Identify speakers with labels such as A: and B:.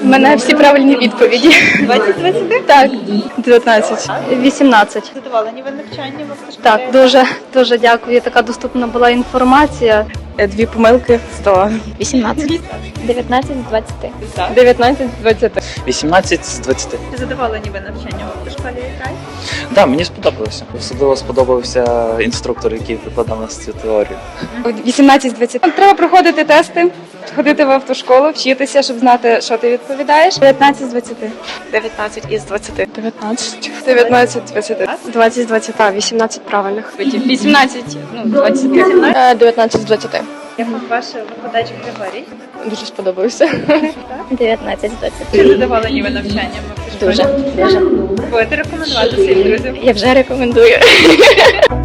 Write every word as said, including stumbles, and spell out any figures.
A: мене всі правильні відповіді.
B: двадцять з двадцяти?
A: Так, дев'ятнадцять. вісімнадцять.
B: Задоволені ви навчанням в автошколі?
A: Так, дуже, дуже дякую. Така доступна була інформація.
C: Дві помилки, сто.
A: вісімнадцять. дев'ятнадцять з двадцяти.
C: дев'ятнадцять з двадцяти.
D: вісімнадцять з двадцяти.
B: Чи задоволені ви навчанням в автошколі край?
D: Так, мені сподобалося. Особливо сподобався інструктор, який викладав нас цю теорію.
C: вісімнадцять з двадцяти. Треба проходити тести, ходити в автошколу, вчитися, щоб знати, що ти відповідаєш. дев'ятнадцять з двадцяти.
B: дев'ятнадцять із двадцяти.
C: дев'ятнадцять. дев'ятнадцять з двадцяти.
A: двадцять з двадцяти. вісімнадцять правильних.
C: вісімнадцять, ну, двадцять.
A: дев'ятнадцять з двадцяти.
B: Як вам ваш викладач Григорій?
C: Дуже сподобався.
A: дев'ятнадцять з двадцяти.
B: Чи задоволені ви навчанням в автошколі?
A: Дуже, дуже.
B: Будете рекомендувати своїм друзям?
A: Я вже рекомендую.